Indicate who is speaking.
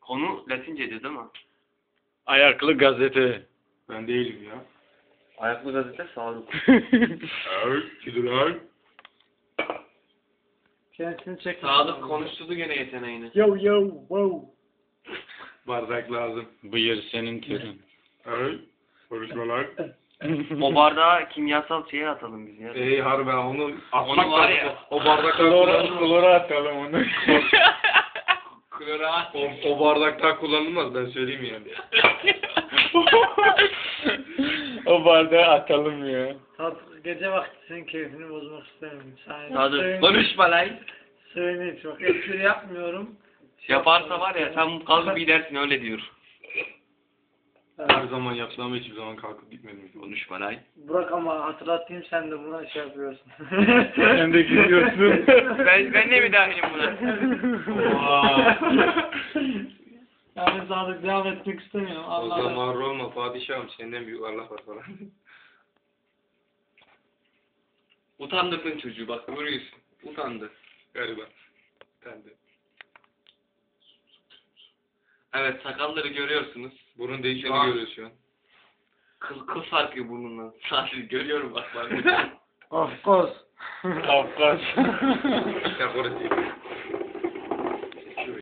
Speaker 1: Konu Latinceydi değil mi?
Speaker 2: Ayaklı gazete.
Speaker 3: Ben değilim ya.
Speaker 1: Ayaklı gazete Sadık.
Speaker 3: Evet, gidiyorlar.
Speaker 4: Kendisini çek.
Speaker 1: Sadık konuşturdu gene yeteneğini.
Speaker 4: Yo yo wow.
Speaker 3: Bardak lazım.
Speaker 2: Buyur senin türün.
Speaker 3: Evet, konuşmalar.
Speaker 1: O bardağa kimyasal şeye atalım biz ya.
Speaker 3: Harbiden onu atmak
Speaker 1: Onu var
Speaker 3: lazım.
Speaker 1: ya.
Speaker 3: O bardaklar kullanılmaz.
Speaker 2: Klora atalım onu.
Speaker 1: Klorat.
Speaker 3: O bardaklar kullanılmaz, ben söyleyeyim yani.
Speaker 2: O bardağı atalım ya.
Speaker 4: Sadık gece vakti senin keyfini bozmak istemiyorum.
Speaker 1: Sadık konuşma lan.
Speaker 4: Söyle çok espri yapmıyorum.
Speaker 1: Yaparsa var ya sen kalkıp gidersin öyle diyor.
Speaker 3: Her zaman yaptım ama hiçbir zaman kalkıp gitmedim.
Speaker 1: Konuşma lan.
Speaker 4: Burak ama hatırlatayım sen de buna şey yapıyorsun.
Speaker 2: Sen de gidiyorsun.
Speaker 1: Ben de mi dahilim buna?
Speaker 4: Yani Sadık devam etmek istemiyorum.
Speaker 3: O
Speaker 4: Allah Allah.
Speaker 3: zaman Roma padişahım, senden büyük Allah var falan.
Speaker 1: Utandırdın çocuğu bak görüyorsun. Utandı.
Speaker 3: Galiba. Ben de.
Speaker 1: Evet sakalları görüyorsunuz.
Speaker 3: Burun değişeni
Speaker 1: Aa.
Speaker 3: görüyoruz şu an.
Speaker 1: Kıl sarkıyor burnundan. Sadece görüyorum bak.
Speaker 4: Of course.
Speaker 2: Kafkas.
Speaker 3: Ya orası.